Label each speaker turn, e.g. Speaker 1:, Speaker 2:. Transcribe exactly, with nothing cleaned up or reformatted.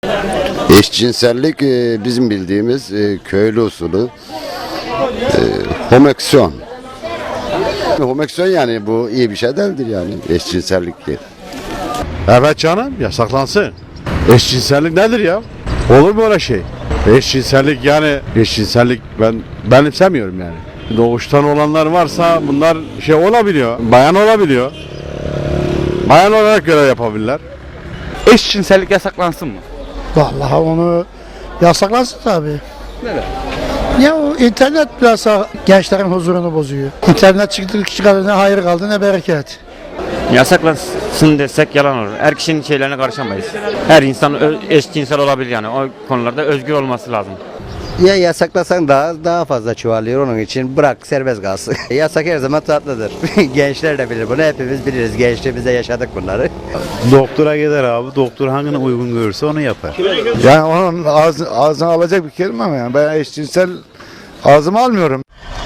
Speaker 1: Eşcinsellik e, bizim bildiğimiz e, köylü usulü e, homoseksüel. Homoseksüel yani bu iyi bir şey değildir yani eşcinsellik değil.
Speaker 2: Evet canım, yasaklansın. Eşcinsellik nedir ya? Olur mu öyle şey? Eşcinsellik yani eşcinsellik ben benimsemiyorum yani. Doğuştan olanlar varsa bunlar şey olabiliyor, bayan olabiliyor. Bayan olarak görev yapabilirler.
Speaker 3: Eşcinsellik yasaklansın mı?
Speaker 4: Vallahi onu yasaklansın tabii.
Speaker 3: Neden?
Speaker 4: Ya o internet biraz gençlerin huzurunu bozuyor. İnternet çıktı çıkardı ne hayır kaldı ne bereket.
Speaker 5: Yasaklansın desek yalan olur. Her kişinin şeylerine karışamayız. Her insan ö- eşcinsel olabilir yani. O konularda özgür olması lazım.
Speaker 6: Ya yasaklasan daha daha fazla çoğalıyor, onun için bırak serbest kalsın. Yasak her zaman tatlıdır. Gençler de bilir bunu, hepimiz biliriz. Gençliğimizde yaşadık bunları.
Speaker 7: Doktora gider abi. Doktor hangini uygun görürse onu yapar.
Speaker 2: Yani onun ağzı, ağzına alacak bir kelime mi yani? Ben eşcinsel ağzıma almıyorum.